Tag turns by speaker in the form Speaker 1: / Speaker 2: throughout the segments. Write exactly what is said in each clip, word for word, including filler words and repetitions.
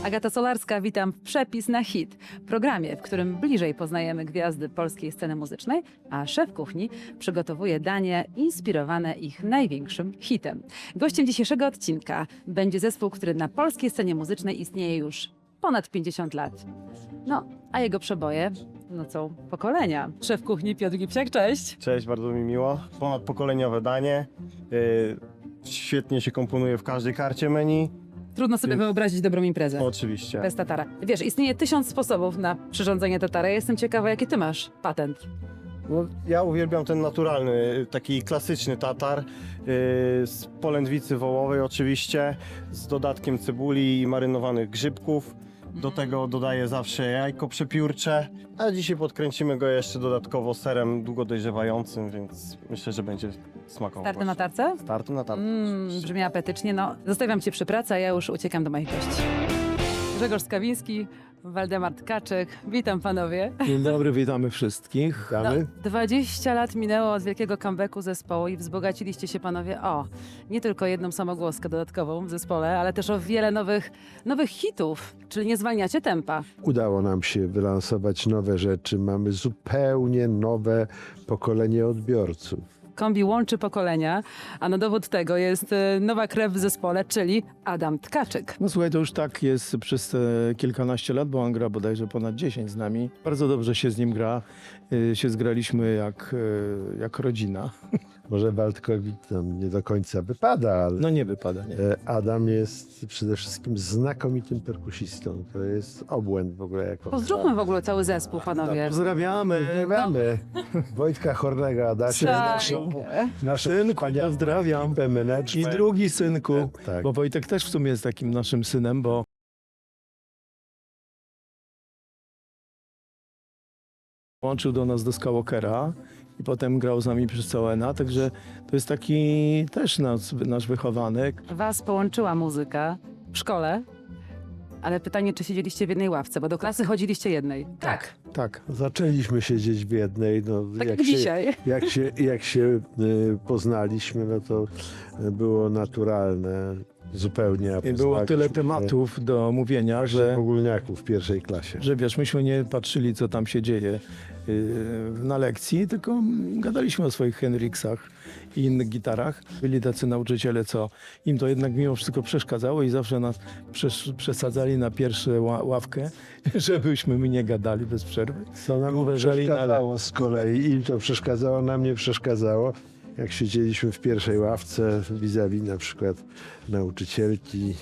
Speaker 1: Agata Solarska, witam w Przepis na hit, programie, w którym bliżej poznajemy gwiazdy polskiej sceny muzycznej, a szef kuchni przygotowuje danie inspirowane ich największym hitem. Gościem dzisiejszego odcinka będzie zespół, który na polskiej scenie muzycznej istnieje już ponad pięćdziesiąt lat. No, a jego przeboje nocą pokolenia. Szef kuchni Piotr Gipsiak, cześć!
Speaker 2: Cześć, bardzo mi miło. Ponadpokoleniowe danie. Yy, świetnie się komponuje w każdej karcie menu.
Speaker 1: Trudno sobie wyobrazić dobrą imprezę.
Speaker 2: Oczywiście.
Speaker 1: Bez tatara. Wiesz, istnieje tysiąc sposobów na przyrządzenie tatara. Jestem ciekawa, jaki ty masz patent.
Speaker 2: No, ja uwielbiam ten naturalny, taki klasyczny tatar yy, z polędwicy wołowej oczywiście, z dodatkiem cebuli i marynowanych grzybków. Do tego dodaję zawsze jajko przepiórcze, a dzisiaj podkręcimy go jeszcze dodatkowo serem długo dojrzewającym, więc myślę, że będzie smakował.
Speaker 1: Starty na tarce?
Speaker 2: Starty na tarce.
Speaker 1: Mmm, brzmi apetycznie. No, zostawiam cię przy pracy, a ja już uciekam do moich gości. Grzegorz Skawiński, Waldemar Tkaczyk. Witam panowie.
Speaker 3: Dzień dobry, witamy wszystkich.
Speaker 1: No, dwadzieścia lat minęło od wielkiego comebacku zespołu i wzbogaciliście się panowie o nie tylko jedną samogłoskę dodatkową w zespole, ale też o wiele nowych, nowych hitów, czyli nie zwalniacie tempa.
Speaker 4: Udało nam się wylansować nowe rzeczy. Mamy zupełnie nowe pokolenie odbiorców.
Speaker 1: Kombi łączy pokolenia, a na dowód tego jest e, nowa krew w zespole, czyli Adam Tkaczyk.
Speaker 3: No słuchaj, to już tak jest przez te kilkanaście lat, bo on gra bodajże ponad dziesięć z nami. Bardzo dobrze się z nim gra. Y, się zgraliśmy jak, y, jak rodzina.
Speaker 4: Może Waldkowi tam nie do końca wypada, ale
Speaker 3: No nie wypada, nie.
Speaker 4: e, Adam jest przede wszystkim znakomitym perkusistą. To jest obłęd w ogóle. Jako
Speaker 1: Pozdrówmy w ogóle cały zespół, panowie.
Speaker 3: Pozdrawiamy.
Speaker 4: Pozdrawiamy Wojtka Hornego, Adasia,
Speaker 1: Tak.
Speaker 4: naszą, naszą
Speaker 3: Synku, pozdrawiam.
Speaker 4: ekipę
Speaker 3: I
Speaker 4: management.
Speaker 3: drugi synku,
Speaker 4: Tak.
Speaker 3: bo Wojtek też w sumie jest takim naszym synem, bo łączył do nas do Skywalkera i potem grał z nami przez Całena, także to jest taki też nasz, nasz wychowanek.
Speaker 1: Was połączyła muzyka w szkole, ale pytanie, czy siedzieliście w jednej ławce, bo do klasy chodziliście jednej. Tak,
Speaker 3: Tak.
Speaker 4: Zaczęliśmy siedzieć w jednej. No,
Speaker 1: tak jak
Speaker 4: jak, się,
Speaker 1: dzisiaj.
Speaker 4: jak się Jak się y, poznaliśmy, no to y, było naturalne zupełnie. a
Speaker 3: I było tyle
Speaker 4: poznaliśmy
Speaker 3: tematów do mówienia,
Speaker 4: się
Speaker 3: że,
Speaker 4: ogólniaków w pierwszej klasie.
Speaker 3: że wiesz, myśmy nie patrzyli, co tam się dzieje yy, na lekcji, tylko gadaliśmy o swoich Henriksach i innych gitarach. Byli tacy nauczyciele, co im to jednak mimo wszystko przeszkadzało i zawsze nas przesz- przesadzali na pierwszą ła- ławkę, żebyśmy my nie gadali bez przerwy.
Speaker 4: Co nam
Speaker 3: Uważali na
Speaker 4: przeszkadzało z kolei, im to przeszkadzało, nam nie przeszkadzało. Jak siedzieliśmy w pierwszej ławce vis-a-vis na przykład nauczycielki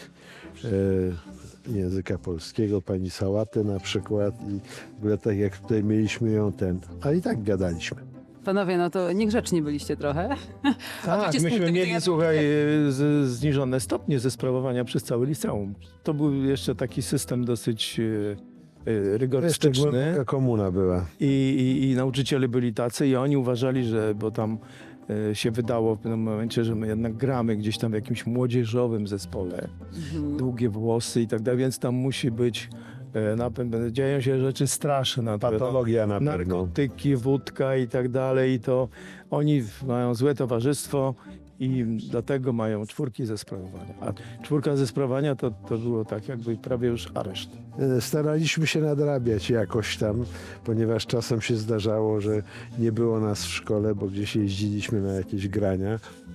Speaker 4: e, języka polskiego, pani Sałatę na przykład i w ogóle tak jak tutaj mieliśmy ją ten, a i tak gadaliśmy.
Speaker 1: Panowie, no to niegrzeczni byliście trochę.
Speaker 3: Tak,
Speaker 1: Oczywiście z punktu
Speaker 3: myśmy
Speaker 1: widzenia-
Speaker 3: mieli, słuchaj, z, zniżone stopnie ze sprawowania przez cały liceum. To był jeszcze taki system dosyć e, e,
Speaker 4: Jeszcze
Speaker 3: rygorystyczny.
Speaker 4: głęboka komuna była.
Speaker 3: I, i, I nauczyciele byli tacy i oni uważali, że, bo tam e, się wydało w pewnym momencie, że my jednak gramy gdzieś tam w jakimś młodzieżowym zespole,
Speaker 1: Mhm.
Speaker 3: długie włosy i tak dalej, więc tam musi być, e, na, pewno- dzieją się rzeczy straszne.
Speaker 4: Patologia na pewno.
Speaker 3: Narkotyki, wódka i tak dalej, i to oni mają złe towarzystwo i dlatego mają czwórki ze sprawowania. A czwórka ze sprawowania to, to było tak jakby prawie już areszt.
Speaker 4: E, Staraliśmy się nadrabiać jakoś tam, ponieważ czasem się zdarzało, że nie było nas w szkole, bo gdzieś jeździliśmy na jakieś grania.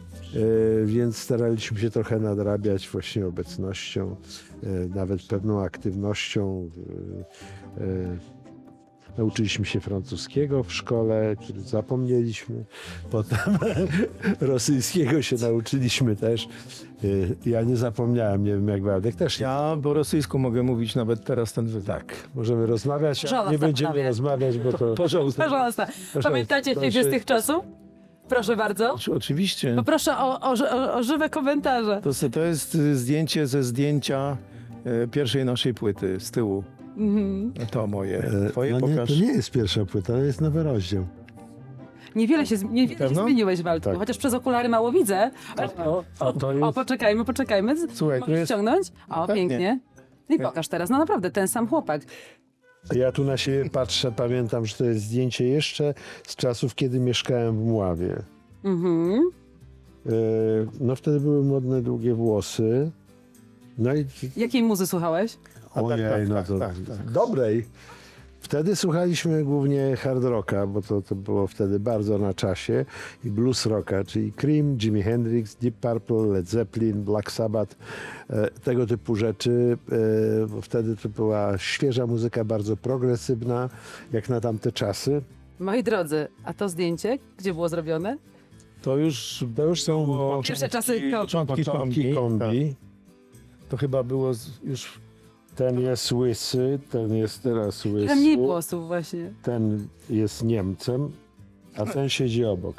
Speaker 4: E, Więc staraliśmy się trochę nadrabiać właśnie obecnością, e, nawet pewną aktywnością. e, e, Nauczyliśmy się francuskiego w szkole, który zapomnieliśmy. Potem rosyjskiego się nauczyliśmy też. E, Ja nie zapomniałem, nie wiem jak Waldek też. nie.
Speaker 3: Ja po rosyjsku mogę mówić nawet teraz ten wywiad.
Speaker 4: Tak, możemy rozmawiać, ale
Speaker 1: Żona
Speaker 4: nie będziemy
Speaker 1: zastanawia.
Speaker 4: rozmawiać, bo to...
Speaker 3: Porządku.
Speaker 1: Pожалуйста. Pamiętacie
Speaker 3: proszę.
Speaker 1: się z tych czasów? Proszę bardzo.
Speaker 3: Oczy- Oczywiście.
Speaker 1: Poproszę o, o, o, o żywe komentarze.
Speaker 3: To, se- to jest y, zdjęcie ze zdjęcia y, pierwszej naszej płyty z tyłu.
Speaker 1: Mhm.
Speaker 3: To moje.
Speaker 4: E,
Speaker 3: Twoje
Speaker 4: no nie,
Speaker 3: pokaż.
Speaker 4: to nie jest pierwsza płyta, to jest nowy rozdział.
Speaker 1: Niewiele się, z- niewiele się
Speaker 3: Pewno?
Speaker 1: zmieniłeś, Waldku,
Speaker 4: Tak.
Speaker 1: chociaż przez okulary mało widzę.
Speaker 3: O, a to
Speaker 1: O,
Speaker 3: jest...
Speaker 1: poczekajmy, poczekajmy.
Speaker 3: Słuchaj, to
Speaker 1: Mogę
Speaker 3: jest...
Speaker 1: ściągnąć? O,
Speaker 3: Pewnie.
Speaker 1: pięknie. No i pokaż teraz, no naprawdę, ten sam chłopak.
Speaker 4: Ja tu na siebie patrzę, pamiętam, że to jest zdjęcie jeszcze z czasów, kiedy mieszkałem w Mławie.
Speaker 1: Mhm.
Speaker 4: E, No wtedy były modne długie włosy. No i
Speaker 1: Jakiej muzy słuchałeś?
Speaker 3: A tak,
Speaker 4: Ojej,
Speaker 3: tak,
Speaker 4: no
Speaker 3: tak,
Speaker 4: to
Speaker 3: tak, tak.
Speaker 4: dobrej. Wtedy słuchaliśmy głównie hard rocka, bo to, to było wtedy bardzo na czasie, i blues rocka, czyli Cream, Jimi Hendrix, Deep Purple, Led Zeppelin, Black Sabbath, e, tego typu rzeczy. E, bo wtedy to była świeża muzyka, bardzo progresywna, jak na tamte czasy.
Speaker 1: Moi drodzy, a to zdjęcie, gdzie było zrobione?
Speaker 3: To już,
Speaker 4: To już są
Speaker 3: było
Speaker 1: Pierwsze czasy ko-
Speaker 3: początki
Speaker 4: początki
Speaker 3: kombi.
Speaker 4: kombi.
Speaker 3: Tak. To chyba było z, już
Speaker 4: Ten jest łysy, ten jest teraz łysy.
Speaker 1: Trochę mniej włosów właśnie.
Speaker 4: Ten jest Niemcem, a ten siedzi obok.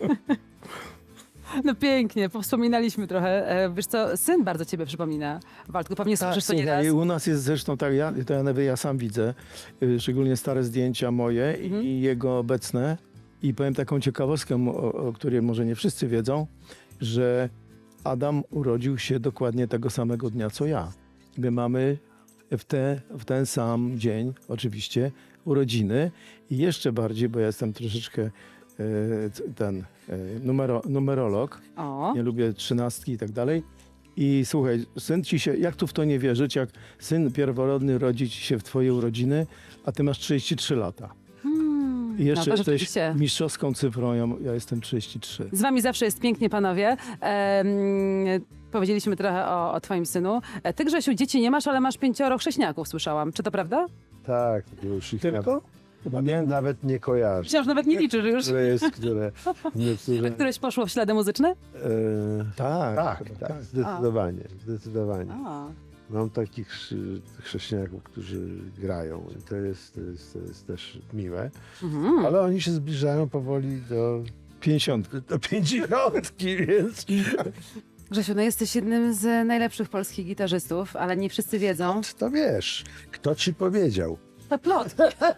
Speaker 1: No pięknie, wspominaliśmy trochę. E, Wiesz co, syn bardzo ciebie przypomina. Waldku, pewnie
Speaker 3: tak,
Speaker 1: słyszysz to nie raz.
Speaker 3: słuchaj, u nas jest zresztą tak, ja, to ja, nawet ja sam widzę, y, szczególnie stare zdjęcia moje
Speaker 1: Mhm.
Speaker 3: i jego obecne. I powiem taką ciekawostkę, o, o której może nie wszyscy wiedzą, że Adam urodził się dokładnie tego samego dnia co ja. My mamy w, te, w ten sam dzień oczywiście urodziny i jeszcze bardziej, bo ja jestem troszeczkę e, c- ten e, numero, numerolog,
Speaker 1: O,
Speaker 3: nie lubię trzynastki i tak dalej. I słuchaj, syn ci się, jak tu w to nie wierzyć, jak syn pierworodny rodzi ci się w twoje urodziny, a ty masz trzydzieści trzy lata.
Speaker 1: hmm.
Speaker 3: I jeszcze
Speaker 1: no, to
Speaker 3: jesteś
Speaker 1: rzeczywiście.
Speaker 3: mistrzowską cyfrą, ja, ja jestem trzydzieści trzy.
Speaker 1: Z wami zawsze jest pięknie, panowie. Em, powiedzieliśmy trochę o, o twoim synu. E, Ty, Grzesiu, dzieci nie masz, ale masz pięcioro chrześniaków, słyszałam. Czy to prawda?
Speaker 4: Tak, już ich
Speaker 3: Tylko? Chyba nie.
Speaker 4: nawet, nawet nie kojarzę.
Speaker 1: Myślałam, że nawet nie liczysz już.
Speaker 4: Które jest, które... Niektóre,
Speaker 1: Któreś poszło w ślady muzyczne?
Speaker 4: e,
Speaker 3: Tak,
Speaker 4: tak,
Speaker 3: chyba
Speaker 4: tak, zdecydowanie, zdecydowanie.
Speaker 1: A.
Speaker 4: Mam takich chrze- chrześcijaków, którzy grają i to jest, to jest, to jest też miłe,
Speaker 1: Mhm.
Speaker 4: ale oni się zbliżają powoli do,
Speaker 3: pięćdziesiąt.
Speaker 4: do pięćdziesiątki, więc
Speaker 1: Grzesiu, no jesteś jednym z najlepszych polskich gitarzystów, ale nie wszyscy wiedzą.
Speaker 4: to wiesz, kto ci powiedział?
Speaker 1: To plot.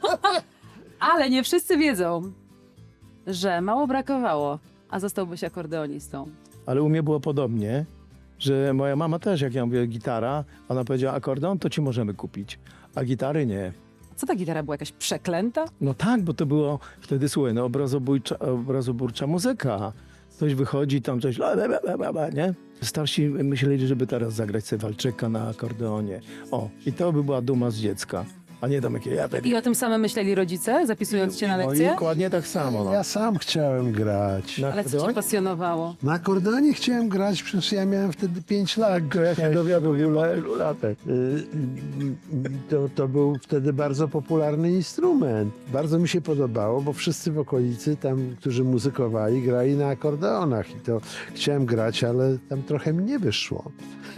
Speaker 1: Ale nie wszyscy wiedzą, że mało brakowało, a zostałbyś akordeonistą.
Speaker 3: Ale u mnie było podobnie, że moja mama też, jak ja mówię gitara, ona powiedziała akordeon, to ci możemy kupić, a gitary nie.
Speaker 1: Co ta gitara była jakaś przeklęta?
Speaker 3: No tak, bo to było wtedy, słuchaj, no obrazobójcza, obrazoburcza muzyka. Ktoś wychodzi, tam coś, la, la, la, la, la, nie? Starsi myśleli, żeby teraz zagrać sobie walczyka na akordeonie. O, i to by była duma z dziecka, a nie tam jakie... Ja,
Speaker 1: I o tym samym myśleli rodzice, zapisując cię na
Speaker 3: no i
Speaker 1: lekcje?
Speaker 3: dokładnie tak samo. No.
Speaker 4: Ja sam chciałem grać.
Speaker 3: Na
Speaker 1: Ale co cię
Speaker 3: akordeonie?
Speaker 1: pasjonowało?
Speaker 4: Na akordeonie chciałem grać, przecież ja miałem wtedy pięć lat. Ja się dowiadłem w ogóle latek. Y, y, y, To, to był wtedy bardzo popularny instrument. Bardzo mi się podobało, bo wszyscy w okolicy tam, którzy muzykowali, grali na akordeonach. I to chciałem grać, ale tam trochę mi nie wyszło.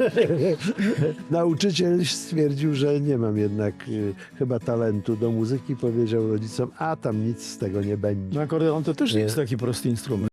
Speaker 4: Nauczyciel stwierdził, że nie mam jednak y, chyba talentu do muzyki. Powiedział rodzicom, a tam nic z tego nie będzie.
Speaker 3: No akordeon to też nie
Speaker 4: Nie.
Speaker 3: jest taki prosty instrument.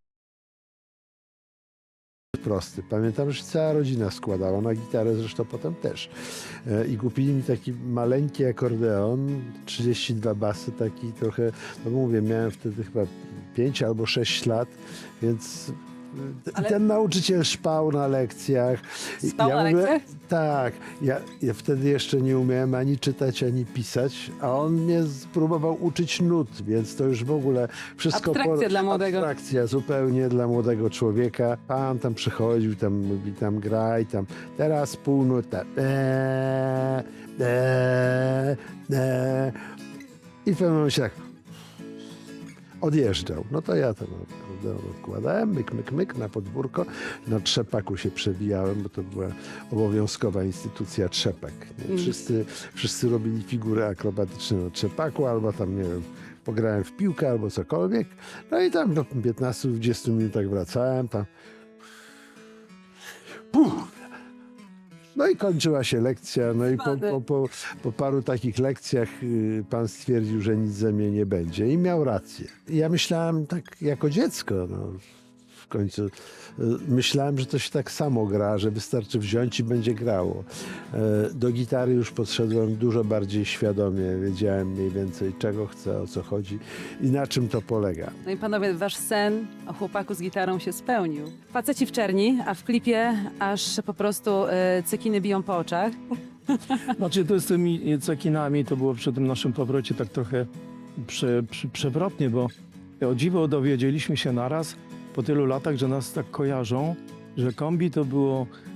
Speaker 4: Prosty. Pamiętam, że cała rodzina składała na gitarę, zresztą potem też. E, I kupili mi taki maleńki akordeon, trzydzieści dwa basy, taki trochę, no mówię, miałem wtedy chyba pięć albo sześć lat, więc e,
Speaker 1: Ale-
Speaker 4: ten nauczyciel szpał na lekcjach. I
Speaker 1: Spał na
Speaker 4: mówię,
Speaker 1: lekcjach?
Speaker 4: Tak. Ja, ja wtedy jeszcze nie umiałem ani czytać, ani pisać, a on mnie spróbował uczyć nut, więc to już w ogóle wszystko...
Speaker 1: Abstrakcja dla młodego.
Speaker 4: Abstrakcja zupełnie dla młodego człowieka. Pan tam przychodził, tam mówi, tam graj, tam teraz półnuta. Eee, eee, eee. I w pewnym momencie tak odjeżdżał. No to ja tam akordeon odkładałem, myk, myk, myk na podwórko. Na trzepaku się przebijałem, bo to była obowiązkowa instytucja trzepek. Nie?
Speaker 1: Mm.
Speaker 4: Wszyscy, wszyscy robili figury akrobatyczne na trzepaku, albo tam, nie wiem, pograłem w piłkę, albo cokolwiek. No i tam do piętnastu dwudziestu minutach wracałem, tam Puh! No i kończyła się lekcja, no i po, po, po, po paru takich lekcjach y, pan stwierdził, że nic ze mnie nie będzie i miał rację. Ja myślałem tak jako dziecko, no, w końcu y, myślałem, że to się tak samo gra, że wystarczy wziąć i będzie grało. E, do gitary już podszedłem dużo bardziej świadomie, wiedziałem mniej więcej czego chcę, o co chodzi i na czym to polega.
Speaker 1: No i panowie, wasz sen o chłopaku z gitarą się spełnił. Faceci w czerni, a w klipie aż po prostu e, cekiny biją po oczach.
Speaker 3: Znaczy to z tymi cekinami to było przy tym naszym powrocie tak trochę prze, prze, przewrotnie, bo o dziwo dowiedzieliśmy się naraz po tylu latach, że nas tak kojarzą, że kombi to było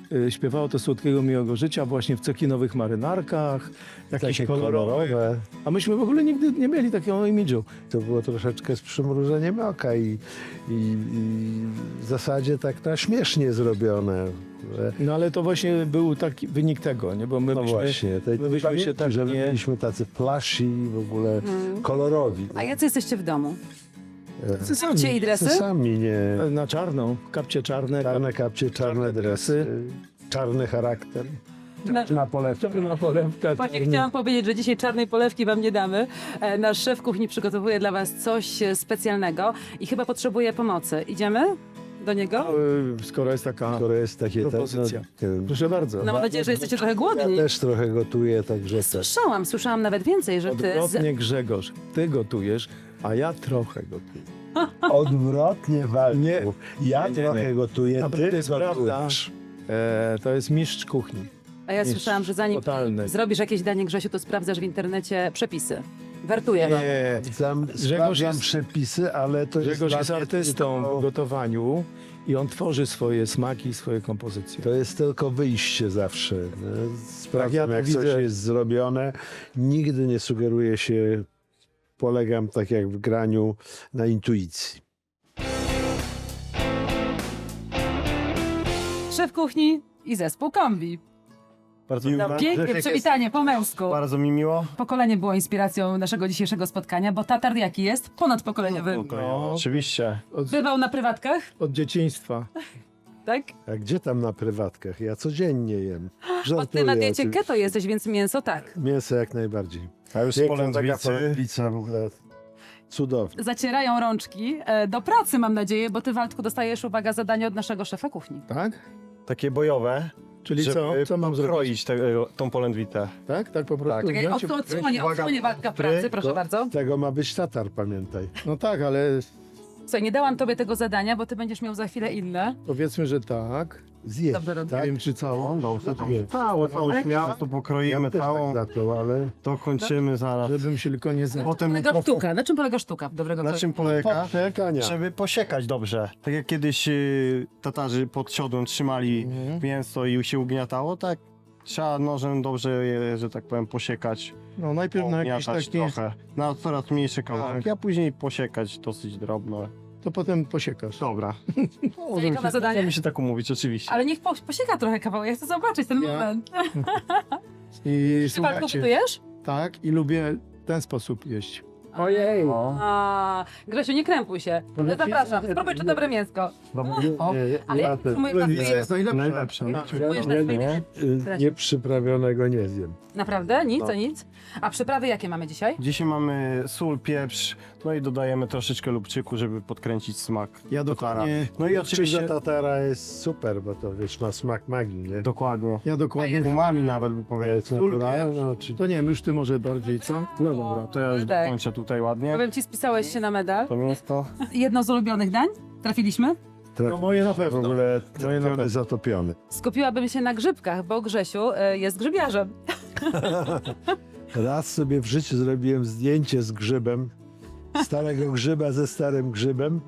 Speaker 3: y, śpiewało to Słodkiego Miłego Życia właśnie w cekinowych marynarkach, jakieś
Speaker 4: Takie
Speaker 3: kolorowe.
Speaker 4: kolorowe.
Speaker 3: A myśmy w ogóle nigdy nie mieli takiego imidżu.
Speaker 4: To było troszeczkę z przymrużeniem oka i, i, i w zasadzie tak na śmiesznie zrobione. że-
Speaker 3: No ale to właśnie był taki wynik tego, nie? Bo my
Speaker 4: No
Speaker 3: byśmy,
Speaker 4: właśnie, te,
Speaker 3: my byśmy się tak
Speaker 4: że
Speaker 3: nie...
Speaker 4: byliśmy tacy flashy i w ogóle
Speaker 1: Mm.
Speaker 4: kolorowi.
Speaker 1: A jacy jesteście w domu?
Speaker 3: Tacy sami.
Speaker 1: Kapcie i dresy?
Speaker 4: Sami nie.
Speaker 3: Na czarną, kapcie czarne.
Speaker 4: Czarne kapcie, czarne dresy, czarny charakter.
Speaker 1: Na-
Speaker 4: Na polewce.
Speaker 3: Czarna polewka.
Speaker 1: Właśnie chciałam powiedzieć, że dzisiaj czarnej polewki wam nie damy. E, Nasz szef kuchni przygotowuje dla was coś e, specjalnego i chyba potrzebuje pomocy. Idziemy do niego?
Speaker 3: Y, Skoro jest taka
Speaker 4: Skoro jest takie...
Speaker 3: propozycja.
Speaker 4: No, no,
Speaker 3: Proszę bardzo.
Speaker 1: No mam nadzieję, że jesteście trochę
Speaker 4: ja
Speaker 1: głodni.
Speaker 4: też trochę gotuję, także też.
Speaker 1: Słyszałam, słyszałam nawet więcej, że ty... Z...
Speaker 3: Odwrotnie, Grzegorz, ty gotujesz, a ja trochę gotuję.
Speaker 4: Odwrotnie walczą.
Speaker 3: Nie.
Speaker 4: Ja
Speaker 3: Nie, nie,
Speaker 4: trochę
Speaker 3: nie.
Speaker 4: gotuję,
Speaker 3: Naprawdę
Speaker 4: ty
Speaker 3: jest prawda.
Speaker 4: gotujesz.
Speaker 3: E, to jest mistrz kuchni.
Speaker 1: A ja słyszałam, że zanim
Speaker 3: Totalny.
Speaker 1: zrobisz jakieś danie, Grzesiu, to sprawdzasz w internecie przepisy. Wertuję wam.
Speaker 3: Nie,
Speaker 4: Sam
Speaker 3: Grzegorz
Speaker 4: sprawdzam
Speaker 3: jest-
Speaker 4: przepisy, ale to jest,
Speaker 3: Grzegorz
Speaker 4: dla
Speaker 3: jest
Speaker 4: mnie
Speaker 3: artystą w
Speaker 4: tylko-
Speaker 3: gotowaniu i on tworzy swoje smaki, swoje kompozycje.
Speaker 4: To jest tylko wyjście zawsze. nie? Sprawdzam,
Speaker 3: ja to
Speaker 4: jak coś
Speaker 3: widzę.
Speaker 4: jest zrobione. Nigdy nie sugeruję się, polegam tak jak w graniu na intuicji.
Speaker 1: Szef kuchni i zespół kombi.
Speaker 2: Bardzo,
Speaker 1: No, pięknie, przywitanie po męsku.
Speaker 2: bardzo mi miło.
Speaker 1: Pokolenie było inspiracją naszego dzisiejszego spotkania, bo tatar jaki jest? Ponadpokoleniowy.
Speaker 3: No.
Speaker 2: Oczywiście.
Speaker 3: Od,
Speaker 1: Bywał na prywatkach,
Speaker 3: od dzieciństwa.
Speaker 1: tak?
Speaker 4: A gdzie tam na prywatkach? Ja codziennie jem.
Speaker 1: Bo ty
Speaker 4: Żartuję
Speaker 1: na diecie
Speaker 4: oczywiście.
Speaker 1: keto jesteś, więc mięso tak.
Speaker 4: Mięso jak najbardziej.
Speaker 2: A już z
Speaker 4: Piękna taka
Speaker 2: polędwicy.
Speaker 4: polędwica w ogóle cudowna.
Speaker 1: Zacierają rączki e, do pracy, mam nadzieję, bo ty, Waldku, dostajesz, uwaga, zadanie od naszego szefa kuchni.
Speaker 3: Tak?
Speaker 2: Takie bojowe.
Speaker 3: Czyli
Speaker 2: żeby
Speaker 3: co? Co mam zrobić?
Speaker 2: Kroić tego, tą polędwitę.
Speaker 3: Tak? Tak po prostu?
Speaker 1: Czekaj,
Speaker 3: wziąć i-
Speaker 1: odsło- odsłonię,
Speaker 2: uwaga,
Speaker 1: odsłonię Waldka w
Speaker 2: pry,
Speaker 1: pracy, proszę
Speaker 4: to-
Speaker 1: bardzo.
Speaker 4: Z tego ma być tatar, pamiętaj.
Speaker 3: No tak, ale
Speaker 1: Słuchaj, nie dałam tobie tego zadania, bo ty będziesz miał za chwilę inne.
Speaker 3: powiedzmy, że tak.
Speaker 4: Zjedz,
Speaker 1: Dobrze robię.
Speaker 3: Nie
Speaker 4: tak?
Speaker 3: wiem, czy całą.
Speaker 2: Całe, całą śmiałą, to pokroimy
Speaker 4: też
Speaker 2: całą,
Speaker 4: tak zaczął, ale
Speaker 2: to kończymy zaraz.
Speaker 3: Żebym się tylko nie zna.
Speaker 2: Potem
Speaker 1: Polega sztuka. Na czym polega sztuka dobrego
Speaker 2: Na
Speaker 1: kroju?
Speaker 2: czym polega?
Speaker 4: czekania.
Speaker 2: Żeby posiekać dobrze. Tak jak kiedyś y, Tatarzy pod siodłem trzymali
Speaker 3: Mhm.
Speaker 2: mięso i się ugniatało, tak trzeba nożem dobrze je, że tak powiem, posiekać.
Speaker 3: No najpierw na jakieś
Speaker 2: Ugniatać
Speaker 3: takie,
Speaker 2: trochę. Na coraz mniejsze kawałki,
Speaker 3: Tak.
Speaker 2: a później posiekać dosyć drobno.
Speaker 3: to potem posiekasz.
Speaker 2: Dobra.
Speaker 1: Zalicza na zadanie?
Speaker 2: Możemy się tak umówić, oczywiście.
Speaker 1: Ale niech po, posieka trochę kawałek, ja chcę zobaczyć ten
Speaker 3: Ja-
Speaker 1: moment.
Speaker 3: I
Speaker 1: Ty, Waldku,
Speaker 3: słuchajcie,
Speaker 1: gotujesz?
Speaker 3: tak, i lubię w ten sposób jeść.
Speaker 1: Ojej.
Speaker 2: O.
Speaker 1: A, Grzesiu, nie krępuj się. Zapraszam, spróbuj czy dobre mięsko. O, ale ja próbuję na
Speaker 3: Nie, jest najlepsze.
Speaker 2: Najlepsze.
Speaker 1: Próbujesz na swój
Speaker 2: Nie?
Speaker 4: Y, Nieprzyprawionego nie zjem.
Speaker 1: Naprawdę? Nic,
Speaker 2: No.
Speaker 1: to nic? A przyprawy jakie mamy dzisiaj?
Speaker 2: Dzisiaj mamy sól, pieprz, no i dodajemy troszeczkę lubczyku, żeby podkręcić smak.
Speaker 3: Ja dokładnie,
Speaker 2: No i
Speaker 4: Oczywiście
Speaker 2: oczywiście...
Speaker 4: tatara jest super, bo to wiesz, ma smak magii, nie?
Speaker 2: Dokładnie.
Speaker 3: ja dokładnie.
Speaker 2: Umami nawet by
Speaker 4: To
Speaker 2: powiedzieć.
Speaker 4: jest naturalne, no, czy...
Speaker 3: To nie wiem, już ty może bardziej, co?
Speaker 2: No dobra, to ja już
Speaker 1: Tak.
Speaker 2: kończę tutaj ładnie.
Speaker 1: Powiem ci, spisałeś się na medal.
Speaker 2: To mięsko.
Speaker 1: Jedno z ulubionych dań? Trafiliśmy?
Speaker 3: No moje na
Speaker 4: w
Speaker 3: pewno.
Speaker 4: ogóle
Speaker 3: Moje na pewno.
Speaker 4: zatopiony.
Speaker 1: Skupiłabym się na grzybkach, bo Grzesiu y, jest grzybiarzem.
Speaker 4: Raz sobie w życiu zrobiłem zdjęcie z grzybem, starego grzyba ze starym grzybem.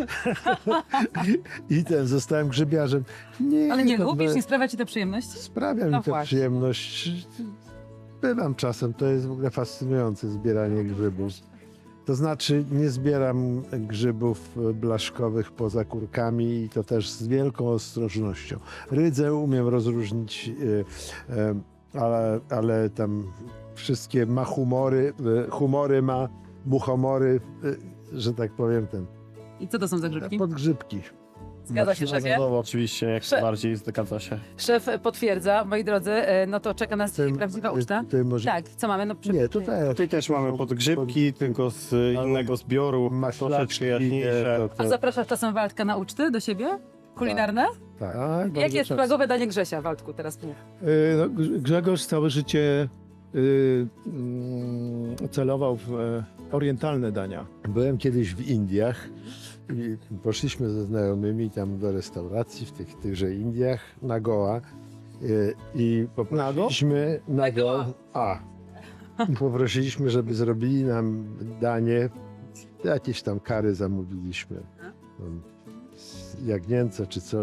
Speaker 4: I ten, zostałem grzybiarzem. Nie,
Speaker 1: Ale nie
Speaker 4: to
Speaker 1: lubisz,
Speaker 4: be-
Speaker 1: nie sprawia ci to przyjemność?
Speaker 4: Sprawia
Speaker 1: No
Speaker 4: mi to
Speaker 1: właśnie.
Speaker 4: przyjemność. Bywam czasem, to jest w ogóle fascynujące zbieranie grzybów. To znaczy nie zbieram grzybów blaszkowych poza kurkami i to też z wielką ostrożnością. Rydzę umiem rozróżnić, y, y, ale, ale tam wszystkie ma humory, y, humory ma, muchomory, y, że tak powiem, ten,
Speaker 1: I co to są za grzybki?
Speaker 4: podgrzybki.
Speaker 1: Zgadza się, szefie?
Speaker 2: No, oczywiście, jak
Speaker 1: Szef-
Speaker 2: najbardziej zgadza się.
Speaker 1: Szef potwierdza, moi drodzy, y, no to czeka nas dzisiaj
Speaker 4: Tym-
Speaker 1: prawdziwa uczta.
Speaker 4: Ty może...
Speaker 1: Tak, co mamy? No, przy...
Speaker 4: Nie, tutaj
Speaker 2: Tutaj też mamy podgrzybki, tylko z y, innego zbioru, troszeczkę
Speaker 4: maślaczki,
Speaker 2: jaśniejsze.
Speaker 4: to, to,
Speaker 1: A zapraszasz czasem Waldka na uczty do siebie? Kulinarne?
Speaker 4: tak.
Speaker 3: Tak,
Speaker 1: Jakie
Speaker 3: bardzo
Speaker 1: jest
Speaker 3: często.
Speaker 1: flagowe danie Grzesia, Waldku, teraz mów.
Speaker 3: Y, no, Grz- Grzegorz całe życie y, mm, celował w e, orientalne dania.
Speaker 4: Byłem kiedyś w Indiach i poszliśmy ze znajomymi tam do restauracji w tych, tychże Indiach na Goa y, i poprosiliśmy na Goa. A. I poprosiliśmy, żeby zrobili nam danie, jakieś tam kary zamówiliśmy. Tam, jagnięce czy coś.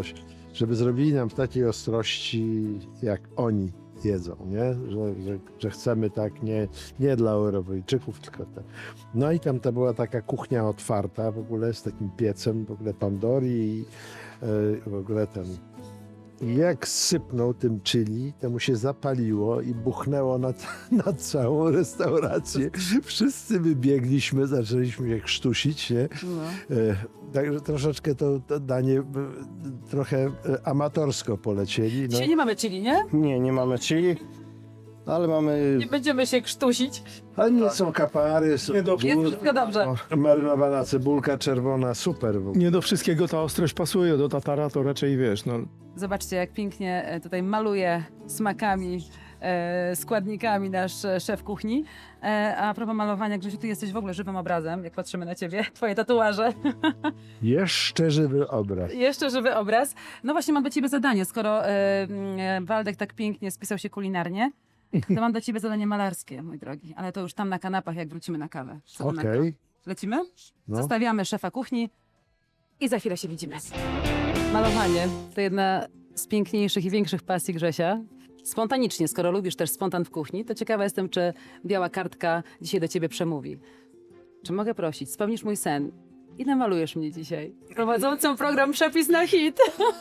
Speaker 4: żeby zrobili nam w takiej ostrości, jak oni jedzą, nie? Że, że, że chcemy tak nie, nie dla Europejczyków, tylko te. No i tam to była taka kuchnia otwarta w ogóle z takim piecem, w ogóle tandoori i e, w ogóle ten. I jak sypnął tym chili, to mu się zapaliło i buchnęło na, na całą restaurację. Wszyscy wybiegliśmy, zaczęliśmy się krztusić, nie?
Speaker 1: No.
Speaker 4: E, Także troszeczkę to, to danie e, trochę e, amatorsko polecieli. No.
Speaker 1: Dzisiaj nie mamy chili, nie?
Speaker 2: Nie, nie mamy chili, ale mamy...
Speaker 1: Nie będziemy się krztusić.
Speaker 4: Ale nie są kapary, są
Speaker 3: Nie, dobrze.
Speaker 1: Jest wszystko dobrze.
Speaker 4: marynowana cebulka czerwona, super w ogóle.
Speaker 3: Nie do wszystkiego ta ostrość pasuje, do tatara to raczej wiesz, no.
Speaker 1: Zobaczcie, jak pięknie e, tutaj maluje smakami, e, składnikami nasz e, szef kuchni. E, a propos malowania, Grzesiu, ty jesteś w ogóle żywym obrazem, jak patrzymy na ciebie, twoje tatuaże.
Speaker 4: Jeszcze żywy obraz.
Speaker 1: Jeszcze żywy obraz. No właśnie, mam do ciebie zadanie. Skoro e, e, Waldek tak pięknie spisał się kulinarnie, to mam do ciebie zadanie malarskie, mój drogi. Ale to już tam na kanapach, jak wrócimy na kawę. Co ty na to?
Speaker 4: Okej.
Speaker 1: Lecimy?
Speaker 4: No.
Speaker 1: Zostawiamy szefa kuchni i za chwilę się widzimy. Malowanie to jedna z piękniejszych i większych pasji Grzesia. Spontanicznie, skoro lubisz też spontan w kuchni, to ciekawa jestem, czy biała kartka dzisiaj do ciebie przemówi. Czy mogę prosić, spełnisz mój sen i namalujesz mnie dzisiaj, prowadzącą program Przepis na hit.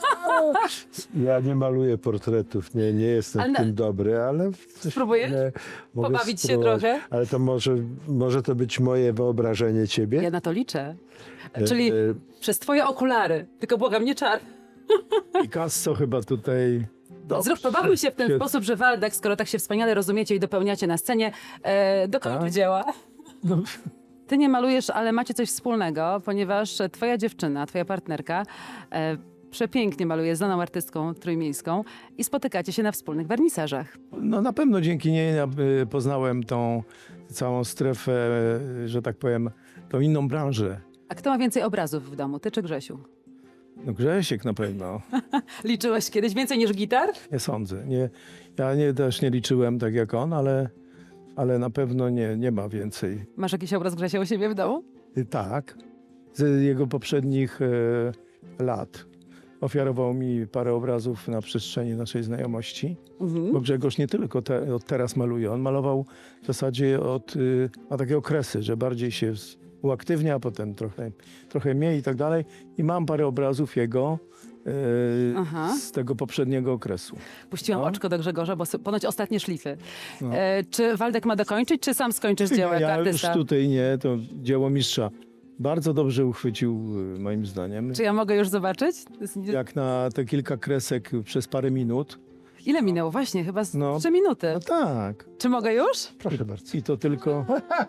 Speaker 4: Ja nie maluję portretów, nie, nie jestem
Speaker 1: Ale
Speaker 4: w
Speaker 1: na-
Speaker 4: tym dobry, ale... coś
Speaker 1: Spróbujesz?
Speaker 4: mogę- mogę
Speaker 1: Pobawić się
Speaker 4: spróbować.
Speaker 1: trochę?
Speaker 4: Ale to może, może to być moje wyobrażenie ciebie?
Speaker 1: Ja na to liczę.
Speaker 4: E,
Speaker 1: Czyli
Speaker 4: e,
Speaker 1: przez twoje okulary, tylko błagam, nie czar.
Speaker 3: Picasso chyba tutaj...
Speaker 1: Zrób, pobawił się w ten
Speaker 3: Się-
Speaker 1: sposób, że Waldek, skoro tak się wspaniale rozumiecie i dopełniacie na scenie, e, dokończy
Speaker 3: Tak.
Speaker 1: dzieła.
Speaker 3: No,
Speaker 1: Ty nie malujesz, ale macie coś wspólnego, ponieważ twoja dziewczyna, twoja partnerka e, przepięknie maluje, znaną artystką trójmiejską i spotykacie się na wspólnych wernisażach.
Speaker 3: no na pewno dzięki niej ja, y, poznałem tą całą strefę, y, że tak powiem, tą inną branżę.
Speaker 1: A kto ma więcej obrazów w domu, ty czy Grzesiu?
Speaker 3: No Grzesiek na pewno,
Speaker 1: Liczyłeś kiedyś więcej niż gitar?
Speaker 3: nie sądzę. Nie, ja nie, też nie liczyłem tak jak on, ale, ale na pewno nie, nie ma więcej.
Speaker 1: Masz jakiś obraz Grzesia u siebie w domu?
Speaker 3: Y, Tak, z jego poprzednich e, lat ofiarował mi parę obrazów na przestrzeni naszej znajomości,
Speaker 1: Mhm.
Speaker 3: bo Grzegorz nie tylko te, od teraz maluje, on malował w zasadzie od, y, ma takie okresy, że bardziej się z- uaktywnia, potem trochę, trochę mniej i tak dalej. I mam parę obrazów jego e,
Speaker 1: Aha.
Speaker 3: z tego poprzedniego okresu.
Speaker 1: Puściłam
Speaker 3: No.
Speaker 1: oczko do Grzegorza, bo s- ponoć ostatnie szlify.
Speaker 3: No.
Speaker 1: E, czy Waldek ma dokończyć, czy sam skończysz dzieło jako
Speaker 3: ja już
Speaker 1: artysta?
Speaker 3: tutaj nie, to dzieło mistrza. Bardzo dobrze uchwycił, y, moim zdaniem.
Speaker 1: Czy ja mogę już zobaczyć? To jest nie-
Speaker 3: Jak na te kilka kresek przez parę minut.
Speaker 1: Ile minęło? Właśnie, chyba z
Speaker 3: No.
Speaker 1: trzy minuty.
Speaker 3: No tak.
Speaker 1: Czy mogę już?
Speaker 4: Proszę bardzo.
Speaker 3: I to tylko...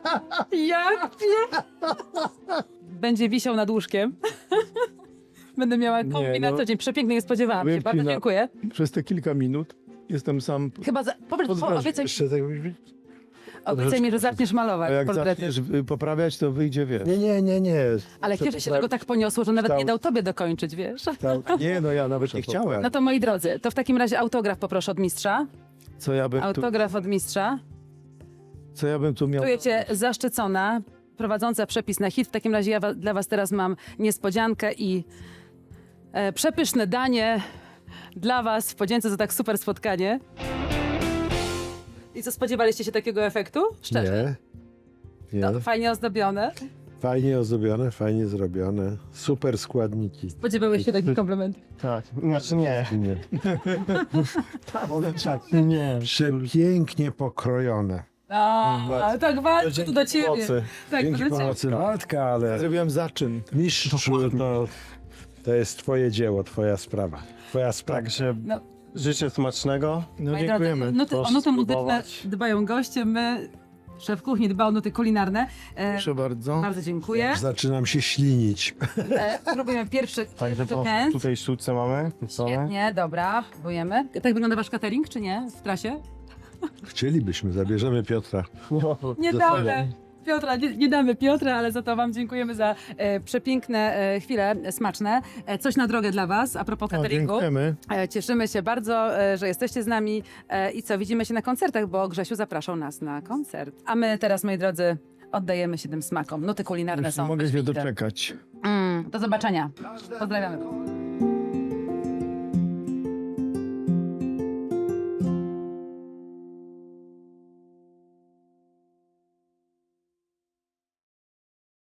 Speaker 1: Jak nie? Będzie wisiał nad łóżkiem. Będę miała
Speaker 3: Nie,
Speaker 1: kombi na
Speaker 3: no.
Speaker 1: co dzień. Przepięknie, nie spodziewałam się.
Speaker 3: Powiem ci
Speaker 1: Bardzo
Speaker 3: na-
Speaker 1: dziękuję.
Speaker 3: Przez te kilka minut jestem sam...
Speaker 1: Chyba za... Powiedz, po,
Speaker 3: Pozdrawiam.
Speaker 1: obiecaj,
Speaker 4: Jeszcze tak być?
Speaker 1: obiecaj mi, że zaczniesz
Speaker 3: A
Speaker 1: malować
Speaker 3: jak
Speaker 1: portrety.
Speaker 3: zaczniesz y, poprawiać, to wyjdzie, wiesz.
Speaker 4: Nie, nie, nie, nie.
Speaker 1: Ale kiedy się tego tak poniosło, że nawet nie dał tobie dokończyć, wiesz?
Speaker 3: Nie, no ja nawet nie chciałem.
Speaker 1: No to moi drodzy, to w takim razie autograf poproszę od mistrza.
Speaker 3: Co ja bym tu,
Speaker 1: Autograf od mistrza.
Speaker 3: co ja bym tu miał...
Speaker 1: Czujecie zaszczycona, prowadząca przepis na hit. W takim razie ja wa- dla was teraz mam niespodziankę i e, przepyszne danie dla was w podzięce za tak super spotkanie. I co, spodziewaliście się takiego efektu? Szczerze.
Speaker 4: Nie. Nie.
Speaker 1: No, fajnie ozdobione.
Speaker 4: Fajnie ozdobione, fajnie zrobione. Super składniki.
Speaker 1: Spodziewałeś się takich komplementów?
Speaker 2: Tak, znaczy nie.
Speaker 4: Nie.
Speaker 2: Tak, nie.
Speaker 4: Przepięknie pokrojone.
Speaker 1: A, ale tak walczę tu do ciebie.
Speaker 2: Pomocy.
Speaker 1: Tak,
Speaker 4: Dzięki
Speaker 1: do ciebie.
Speaker 4: pomocy Waldka, ale
Speaker 3: Zrobiłem zaczyn.
Speaker 4: mistrzu, to, to jest twoje dzieło, twoja sprawa. Twoja sprawa.
Speaker 2: Także
Speaker 1: No.
Speaker 2: życzę smacznego.
Speaker 3: No
Speaker 1: Moi
Speaker 3: dziękujemy.
Speaker 1: drodzy, nuty, o
Speaker 2: Proszę
Speaker 1: nuty muzyczne
Speaker 2: spróbować.
Speaker 1: dbają goście, my, szef kuchni dba o nuty kulinarne. E,
Speaker 3: Proszę bardzo.
Speaker 1: bardzo dziękuję.
Speaker 4: Zaczynam się ślinić.
Speaker 1: E, próbujemy pierwszy
Speaker 2: Także to
Speaker 1: kęs.
Speaker 2: tutaj sztuce mamy. pieczone.
Speaker 1: Świetnie, dobra, próbujemy. Tak wygląda wasz catering, czy nie? W trasie?
Speaker 4: Chcielibyśmy, zabierzemy Piotra.
Speaker 1: Nie
Speaker 4: Zostawiam.
Speaker 1: damy. Piotra, nie, nie damy Piotra, ale za to wam dziękujemy za e, przepiękne e, chwile e, smaczne. E, coś na drogę dla was, a propos
Speaker 3: O,
Speaker 1: cateringu.
Speaker 3: dziękujemy.
Speaker 1: E, cieszymy się bardzo, e, że jesteście z nami e, i co, widzimy się na koncertach, bo Grzesiu zapraszał nas na koncert. A my teraz, moi drodzy, oddajemy się tym smakom. Nuty kulinarne
Speaker 3: Już
Speaker 1: są
Speaker 3: nie mogę się
Speaker 1: wyśmienite.
Speaker 3: doczekać.
Speaker 1: Mm, do zobaczenia. Pozdrawiamy.